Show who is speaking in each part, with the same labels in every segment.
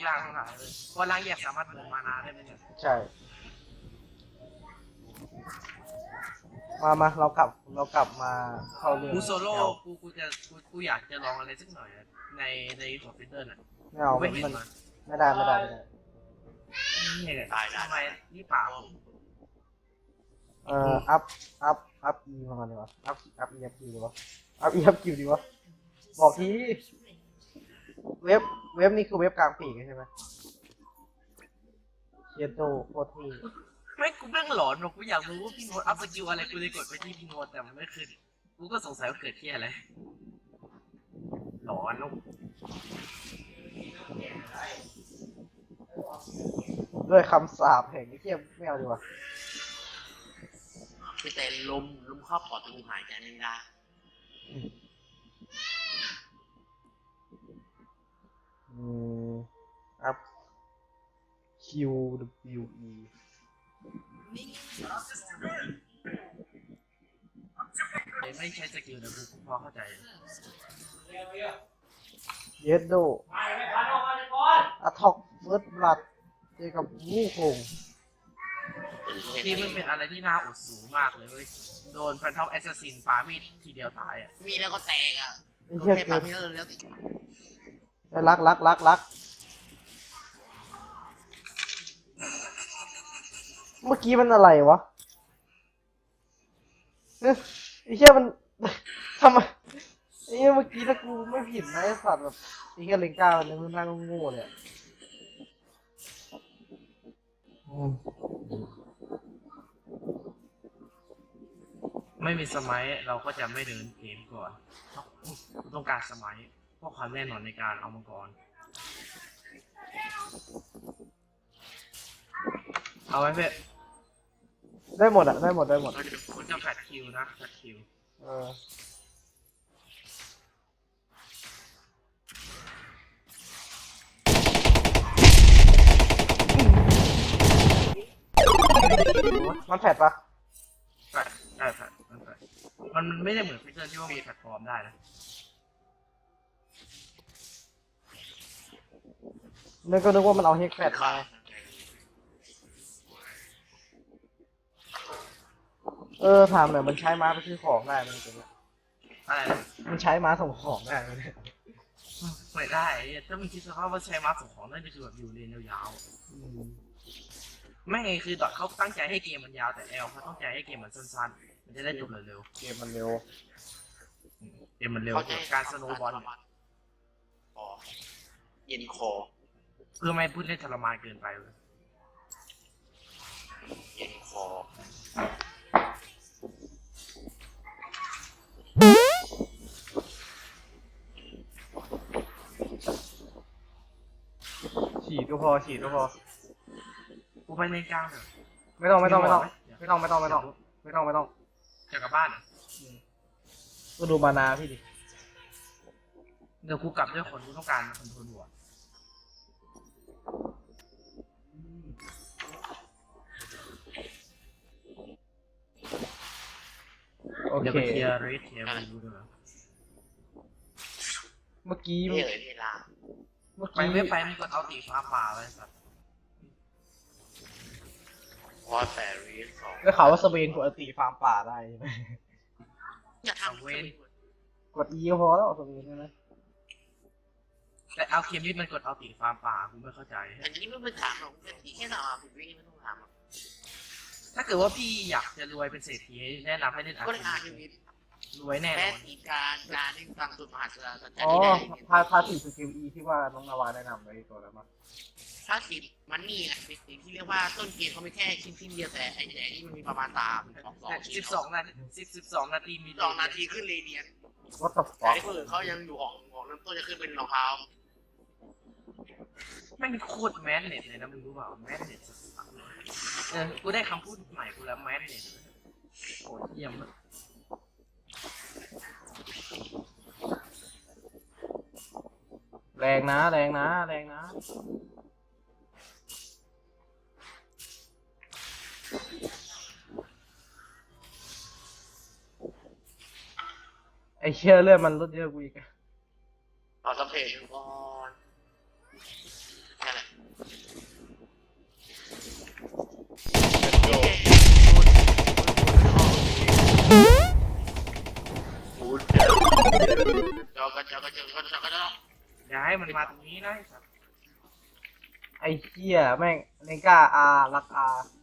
Speaker 1: ร่างทั้งหลายเลยเพราะร่างแยกสามารถเบิร์นมานาได้ไหมเนี่ย
Speaker 2: ใช่มาเรากลับมาเข้าเรื่อง
Speaker 1: กูโซโล่
Speaker 2: แนว
Speaker 1: กูอยากจะลองอะไรสักหน่อยในท็อปฟิเตอร์น่ะ
Speaker 2: ไม่เอา
Speaker 1: ไม่เห็น
Speaker 2: มัน
Speaker 1: มา
Speaker 2: ไม่ได้
Speaker 1: เนี่ยทำไมนี่เปล่า
Speaker 2: อัพอีมาก่อนดีวะอัพอีอัพคิวดีวะอัพคิวดีวะบอกทีเว็บนี่คือเว็บกลางปีกใช่ไหมเชียโตโคตรที่
Speaker 1: ไม่กูแม่งหลอนว่ะกูอยากรู้ว่าพี่โน้ตอัพสกิลอะไรกูเลยกดไปที่พี่โน้ตแต่มันไม่ขึ้นกูก็สงสัยว่าเกิดที่อะไรหลอนลูก
Speaker 2: ด้วยคำสาปแห่งเทียมไม่เอาดีกว่า
Speaker 3: คือแต่ลมเข้าปอดกูหายใจไม่ได้
Speaker 2: อัพ QWE
Speaker 1: ไม่ใช่สกิลนะกูพอเข้าใจ
Speaker 2: เยสโดอะท็อกเฟิร์สบลัดเจอกับวูคง
Speaker 1: ที่มันเป็นอะไรที่น่าอดสูงมากเลยเว้ยโดนแฟนทอมแอสซัสซินปามีดทีเดียวตายอ่ะ
Speaker 3: มีแล้วก็แตกอ่ะ
Speaker 2: ไอ้เหี้ย
Speaker 3: แค่
Speaker 2: เกิ
Speaker 3: ปาน พี่แล้วติด
Speaker 2: รักเมื่อกี้มันอะไรวะไอ้เหี้ยมัน ทำไมไอ้เหี้ยเมื่อกี้ถ้ากูไม่ผิดนะไอ้สัตว์แบบไอ้เหี้ยเลงก้ามันมันนั่งโง่เลย
Speaker 1: ไม่มีสมัยเราก็จะไม่เดินเกมก่อนต้องการสมัยเพราะความแน่นอนในการเอามังกรเอาไว้เพื่อ
Speaker 2: ได้หมดอะได้หมด
Speaker 1: มันจะแฟดคิวนะแฟดคิว
Speaker 2: มันแผดปะ
Speaker 1: แฟดได้แฟดมันไม่ได้เหมือนฟิเจอร์ที่ว่ามีแพลตฟอร์มได้นะ
Speaker 2: นึกว่ามันเอาเฮกแฟดมาถามหน่อยมันใช้ม้าไปซื้อของได้ไหมจริงๆ
Speaker 1: อะไรนะ
Speaker 2: มันใช้ม้าส่งของได้ไหมเนี่ย
Speaker 1: ไม่ได้ถ้ามึงคิดสภาพว่าใช้มาส่งของนั่นคือแบบอยู่เลนยาวๆไม่ไงคือดอทเขาตั้งใจให้เกมมันยาวแต่แอลเขาตั้งใจให้เกมมันสั้นๆมันจะได้จบเร็ว
Speaker 2: เกมมันเร็ว
Speaker 1: ๆเกมมันเร็วการสโนว์บอล
Speaker 3: เย็นคอ
Speaker 1: เพื่อไม่พูดเล่นทรมานเกินไปเลย
Speaker 3: เย็นคอ
Speaker 2: ฉีดก็พอ
Speaker 1: กูไปเล่นกลางเถอะ
Speaker 2: ไม่ต้อง
Speaker 1: จะกลับบ้านเหรอ
Speaker 2: ก็ดูมานาพี่ดิ
Speaker 1: เดี๋ยวกูกลับด้วยคนกูต้องการคอนโทรลหัว
Speaker 2: โอ
Speaker 1: เดี๋ยว
Speaker 2: เค
Speaker 1: ไปเคลียร์เรทเคลียร์รีวิวด้วยนะ
Speaker 2: เมื่อกี้
Speaker 3: เท่เวลา
Speaker 1: ไปไม่ไปมึงกดเอาตีฟ้าป่าไว้สัตว์
Speaker 3: เพราะแต่รีสอง
Speaker 2: ได้ข่าวว่าสเปนกดตีฟาร์มป่าได้ใช่ไหม
Speaker 3: จะทำเว้น
Speaker 2: กด E ก็พอแล้วสเปนใช่ไหม
Speaker 1: แต่เอาเคมนี่มันกดเอาตีฟาร์มป่ากูไม่เข้าใจ
Speaker 3: อันนี้ไม่เป็นถามหรอกที่แค่ถามผมวิ่งไม่ต้องถามหรอก
Speaker 1: ถ้าเกิดว่าพี่อยากจะรวยเป็นเศรษฐีแนะนำให้เล่นอา
Speaker 3: ก็
Speaker 1: ร์
Speaker 3: เลยอ่าน
Speaker 1: เค
Speaker 3: อยู่
Speaker 1: มรวยแน่น
Speaker 3: แม่
Speaker 1: อน
Speaker 3: ทีการที่ฟังสุดมหาศาลสัจจ์
Speaker 2: อ๋อ
Speaker 3: ที่ได้
Speaker 2: พาสีสกิล E ที่ว่าน้องนาวาแนะนำไว้ตัวแล้วมั้ง
Speaker 3: ถ้าสิบมันนี่ไงสิ่งที่เรียกว่าต้นเกมเขาไม่แค่ชิ้นเดียวแต่ไอ้แต่นี่มันมีประมาณ12
Speaker 1: นาที12 นาทีมี
Speaker 3: 2 นาทีขึ้นเรเดียน
Speaker 2: วัตถุฟ
Speaker 3: แต่
Speaker 2: อก
Speaker 3: ไอ้คนอื่นเขายังอยู่ของเริ่มต้นจะขึ้นเป็นรองเท้า
Speaker 1: ไม่มีโคตรแมสเน็ตเลยนะมึงรู้เปล่าแมสเน็ตกูได้คำพูดใหม่กูแล้วแมสเน็ตโคตรเยี่ยมเลย
Speaker 2: แรงนะไอเชื่อเลื่อนมันลดเยอะกูอีก
Speaker 3: เอาสเปรย์ก่อนนั่นแหละก็จะก็ต้อง
Speaker 1: อย่าให้มันมาตรงนี้นะไอ้สัตว์
Speaker 2: ไอ้เหี้ยแม่งเลงก้าอารักอา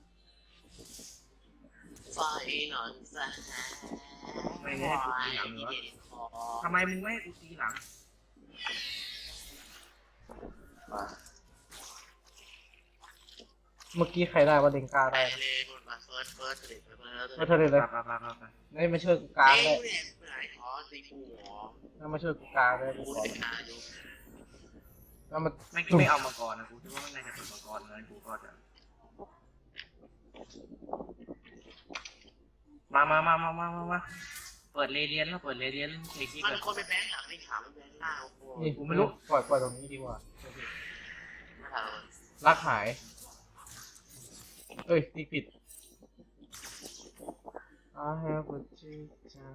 Speaker 3: ไฟนอนซะ
Speaker 1: ไม่ให้กูตีหลังเหรอทำไมมึงไม่ให้กูตีหลัง
Speaker 2: เมื่อกี้ใครได้ว่าเลงก้า
Speaker 3: ไป
Speaker 2: ได้
Speaker 3: เลยคนมาเฟิร์สเลย
Speaker 2: มาเธอเลย
Speaker 1: ไป
Speaker 2: เลย
Speaker 1: ไป
Speaker 2: นี่มาช่วยกูกลาง
Speaker 3: เอ้
Speaker 2: ได้
Speaker 3: ยเนี่ยไหนอ๋อตีกูหรอ
Speaker 2: นั่นมาช่วยกูกลางได้กู
Speaker 3: กู
Speaker 2: ขอ
Speaker 3: ติดนาอยู่
Speaker 2: แล้วมัน
Speaker 1: ไม่ไม่เอามังกรนะกูคิดว่าไม่น่าจะเป็นมังกรนะกูก็จะมาเปิดเรเดียนแล้วเปิดเรเดียนเทคี
Speaker 3: มัน
Speaker 1: กัน
Speaker 3: คนไปแบงค์หลังไม่ถามมันแบงค์หน้าโอ้โห
Speaker 2: นี่กูไม่รู้ปล่อยตรงนี้ดีกว่า
Speaker 3: ไม่ถาม
Speaker 2: รักหายเอ้ยตีผิด I have a chicken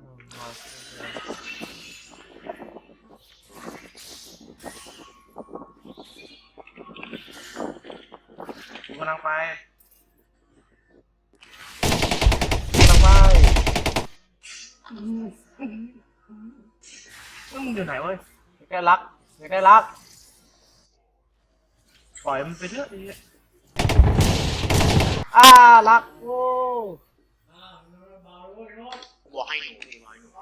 Speaker 1: กูกำลังไป
Speaker 2: ทำไม
Speaker 1: มึงอยู่ไหนเว้ย
Speaker 2: ใกล้รักใกล้รัก
Speaker 1: ปล่อยมันไปเถอะไอ้เหี้ย
Speaker 2: รักโอ้
Speaker 3: บอกให้หนูพี่บอกให้หนู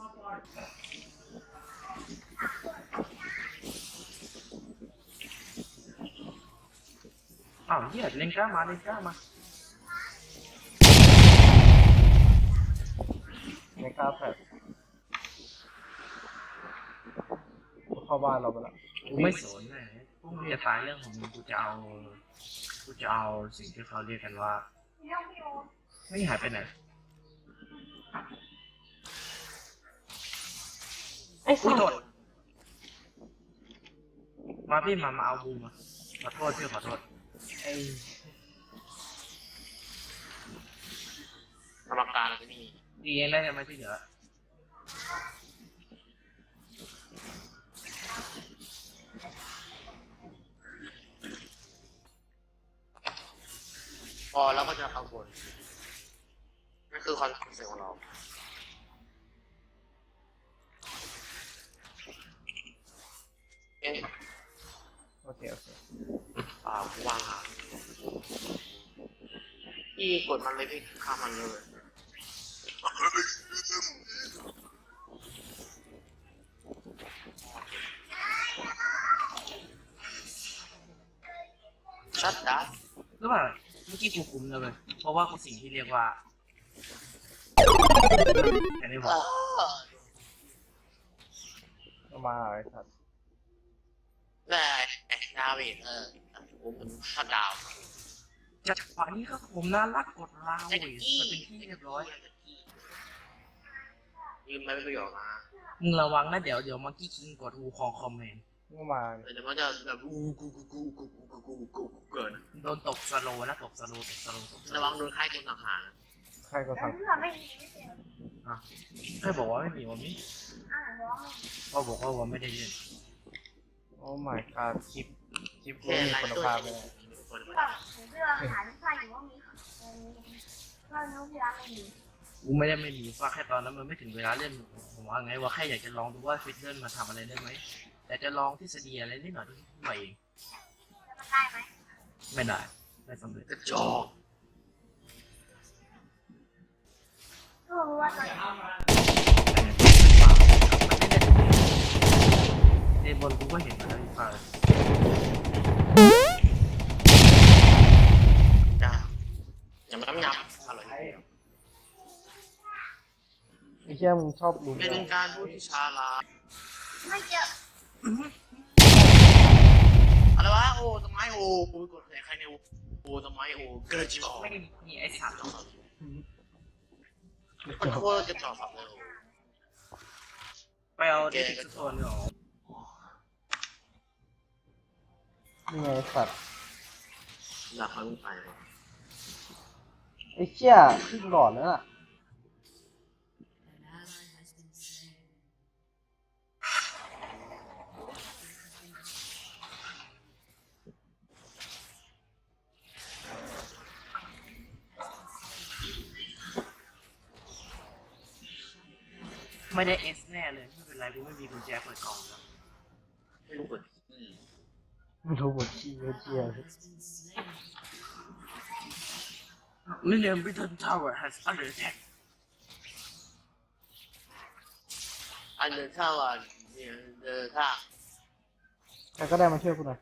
Speaker 1: อ้าวเหี้ยเล่นกล้ามา
Speaker 2: ไม่กล้าแผลเข้าบ้านเราไปละ
Speaker 1: กูไม่สนเลยพวกมึงจะท้ายเรื่องของมึงกูจะเอาสิ่งที่เขาเรียกกันว่าไม่หายไปไหน
Speaker 2: ไอ้
Speaker 1: อุ้
Speaker 2: สั
Speaker 1: ย
Speaker 2: ต
Speaker 1: โท
Speaker 2: ว์
Speaker 1: ษมาพี่มาเอาบูมาขอโทษพี่ขอโทษ
Speaker 2: ไอ้
Speaker 3: กรรมการอะไรนี่
Speaker 1: ดีเองได้ไหมที่เหลือ
Speaker 3: พอแล้วก็จะข้างบนนั่นคือคอนเซ็ปต์ของเราเอ๊ะ
Speaker 2: โอเค
Speaker 3: วางพี่กดมันเลยพี่ข้ามมันเลยชัดดา
Speaker 1: หรือเปล่าเมื่อกี้กูคุมเลยเพราะว่ากูสิ่งที่เรียกว่าอันนี้ผม
Speaker 2: ก็มาไอ้สัตว์
Speaker 3: ได้ดาเมจผมชัดดาว
Speaker 1: จังหวะนี้ก็ผมน่ารักกดลาวมันเป็นที่เรียบร้อย
Speaker 3: ยืมไม่ประโยชน์มา
Speaker 1: มึงระวังนะเดี๋ยวมังกี้คิงกดวูคองคอมเมนต์
Speaker 2: ก็มา
Speaker 3: เดี๋ยวมันจะแบบกูเกิน
Speaker 1: โดนตกสโลนะตกสโล
Speaker 3: ระวังโดนค่ายคนต่างหาก
Speaker 2: ใครก็สั่ง
Speaker 1: ใครบอกว่าไม่มีวันนี้ก็บอกว่าวันไม่ได้เล่น
Speaker 2: โอ้ my god คลิปกู
Speaker 3: แค่
Speaker 2: มี
Speaker 3: ไล่
Speaker 2: คุณ
Speaker 3: ตัว
Speaker 2: ภาพเลย
Speaker 1: กูไม่ได้ไม่มีว่าแค่ตอนนั้นมันไม่ถึงเวลาเล่นผมว่าไงว่าแค่อยากจะลองดูว่าฟิตเดิลมาทำอะไรได้ไหมแต่จะลองทฤษฎีอะไรนิดหน่อยไม่เองไม่ได้ไม่สำเร็จ
Speaker 3: กระจอก
Speaker 1: เดนบนกูก็เห็นมาแล้วอีกฝ่าย
Speaker 3: จ้าอย่ามาน้ำยำอร่อย
Speaker 2: ไอ้เชี่ยมึงชอบดู
Speaker 3: เป็นการพูดที่ชาลาอะไรวะโอ้ต้นไม้โอ้กูกดใครเนี่ยโอ้ต้นไม้โอ้กระจอก
Speaker 1: ไม่มีไอ้สัตว์
Speaker 3: มันโคตรกระจอกสับเลย
Speaker 1: ไปเอาเด็กสักคนหรอ
Speaker 2: นี่ไงไอ้สัตว์
Speaker 3: อยากให้มึงไปวะ
Speaker 2: ไอ้เชี่ยขึ้นหลอดแล้วน่ะ
Speaker 1: ไม่ได้เอสแน่เลยไม่เป็นไรกูไม่มีกุญแจเปิดกล่องแล้ว
Speaker 3: ไม่รู้เปิด
Speaker 2: ไม่รู้หมดขี้เกีย
Speaker 1: Million Britain Tower has under attack
Speaker 3: อันเดินเข้าอ่ะเนี่ยเดินข้า
Speaker 2: ใครก็ได้มาช่วยกูหน่อย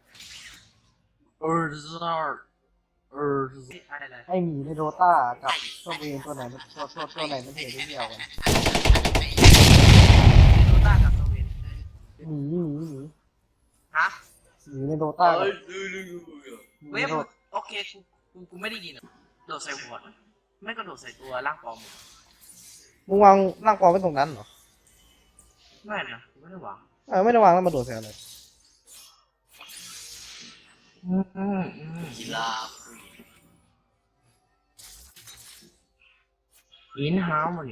Speaker 1: อะไร
Speaker 2: ไอหมีในโดต้ากับตัวเองตัวไหนมันตัวไหนมันเหนื่อยได้เดียวกัน
Speaker 1: โดต้ากับโซเวน
Speaker 2: หมี
Speaker 1: ฮะ
Speaker 2: หมีในโดต้ากับหมี
Speaker 1: เว็
Speaker 2: ใน
Speaker 1: บ
Speaker 2: โด
Speaker 1: โอเคกูไม่ได้ยินอะโดดใส่หัวไม่ก็โดดใส่ตัวร่างปลอม
Speaker 2: มึงวางร่างปลอมไว้ตรงนั้นเหรอ
Speaker 1: ไม่นะไม่ได้หวัง
Speaker 2: ไม่ได้วางแล้วมาโดดใส่อะไร
Speaker 3: กีฬา
Speaker 1: อินฮาร์โมนี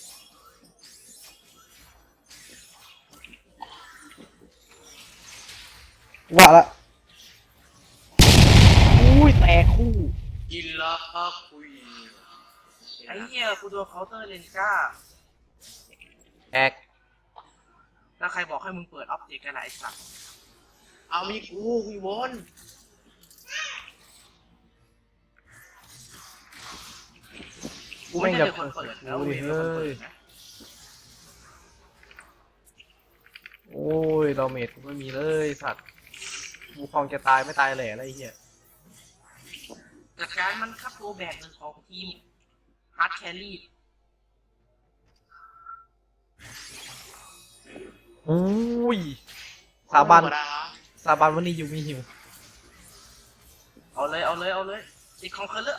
Speaker 2: ว่าละอุ้ยแตกคู่
Speaker 3: กีฬาคุย
Speaker 1: ไอ้เหี้ยกูโดนเคาน์เตอร์เลนก้า
Speaker 2: แอก
Speaker 1: แล้วใครบอกให้มึงเปิดออบเจกต์กันล่ะไอ้สัตว์
Speaker 3: เอามีกูมีบน
Speaker 1: กูไม่ใช่เป็นคนเปิดแล้วเวรเป็นคนเปิดนะ
Speaker 2: โอ้ยดาเมจกูไม่มีเลยสัตว์กูคลองจะตายไม่ตายแหล่อะไรเหี้ย
Speaker 1: จากการมันคับตัวแบกหนึ่งของทีมฮาร์ดแครี่
Speaker 2: อุ้ยสาบานวันนี้อยู่มีหิว
Speaker 1: เอาเลยอีกของเคอร์เลอร์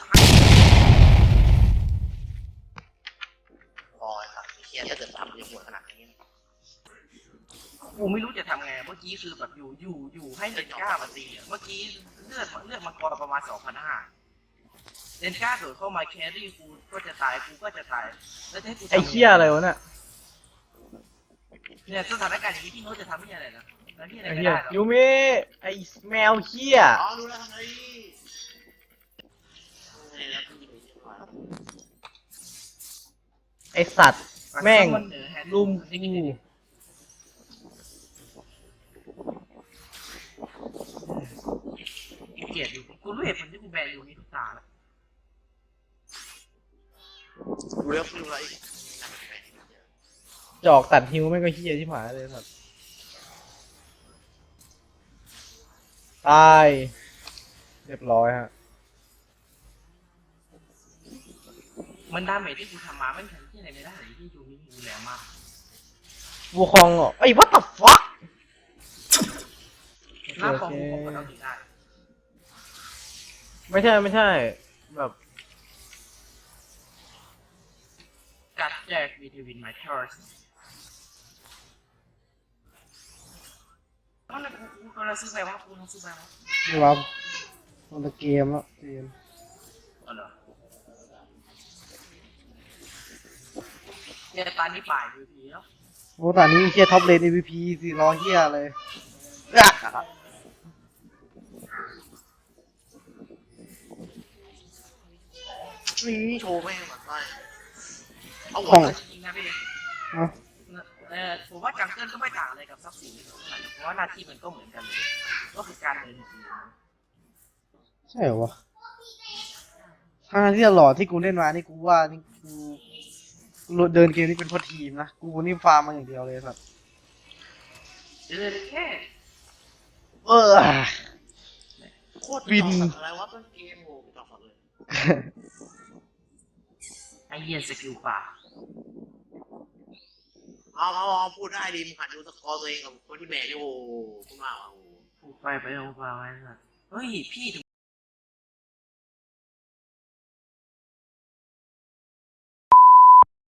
Speaker 3: พอครับเฮียถ้าเกิดทำยังหมดขนาดนี้
Speaker 1: กูไม่รู้จะทำไงเมื่อกี้คือแบบอยู่ให้เลนก้ามาตีอะเมื่อกี้เลือดมังกรประมาณ 2,500เลนก้าโดดเข้ามาแครี่กูก็จะตายกูก็จะตายแล้วจะให้กูทำ
Speaker 2: ไอ้เหี้ยอะไรวะเนี่ย
Speaker 1: เนี่ยสถานการณ์อย่างนี้พี่โน้ตจะทำที่อะไรนะแล้วที่อะไร
Speaker 2: ไอ้
Speaker 1: ก็
Speaker 2: เหี้ย
Speaker 1: ได้หรอ
Speaker 2: ยูมิไอ้แมวเหี้ย
Speaker 3: อ๋อรู้แล้วทำไงแล้วพี่
Speaker 2: ไอ้สัตว์แม่ง
Speaker 1: มันเหนือแฮนด์
Speaker 2: ลุม
Speaker 1: นี่
Speaker 2: กู
Speaker 1: เกลียดอยู่กูรู้เหตุผลที่กูแบนอยู่นี่ทุกตาแล้ว
Speaker 3: รู้แล้วรู้แล้ว
Speaker 2: จอกตัดฮิวแม่งก็เหี้ยที่หมาเลยสัตว์ตายเรียบร้อยฮะ
Speaker 1: มันดาเมจที่กูทำมาไม่ทันที่ไหนไม่ได้เลยที่ยูมิกูแรงมาก
Speaker 2: วูคองเหรอไอ้ what the fuck
Speaker 1: หน้าปองกูผมก็ต้องถึงได้
Speaker 2: ไม่ใช่แบบ
Speaker 1: กัดแจกวีทีวินไมเคิลส์นั่นแหละกูกำลังซื้อไปว่ากูต้องซื้อไปว่า
Speaker 2: ไม่รับมันจะเกมแล้วเกม
Speaker 1: อ๋อเหรอเนี่ยตอนนี้ป่ายวีทีแล้ว
Speaker 2: โอ้ตอนนี้เฮียท็อปเลน MVP สิรอเฮียเลย
Speaker 3: นี่โชว์แม่งแบบว่าเอาหั
Speaker 2: ของ
Speaker 3: ว
Speaker 1: จริงๆนะพี่
Speaker 2: อ่ะ
Speaker 1: ผมว่าจังเกิลก็ไม่ต่างอะไรกับซับซินเท่าไหร่เพราะว่าหน้าที่มันก็เหมือนกันเลยก็คือการเดินที
Speaker 2: ใช่เหรอวะทางที่ตลอดที่กูเล่นมานี่กูว่านี่กูเดินเกมนี่เป็นเพราะทีมนะกูนี่ฟาร์มมาอย่างเดียวเลยสัตว์
Speaker 1: เดินแค่
Speaker 2: เออ
Speaker 3: โคตรบินอะไรวะต้นเกมโง่ต่อเลย
Speaker 1: ไอเหี้ยสกิลป่า
Speaker 3: เอาพูดได้ดิมึงหัดดูสกอร์ตัวเองกับคนที่แบกโอ้คุณว่าโอ้
Speaker 1: พูดไปเอาไปไว้สัสเฮ้ยพี่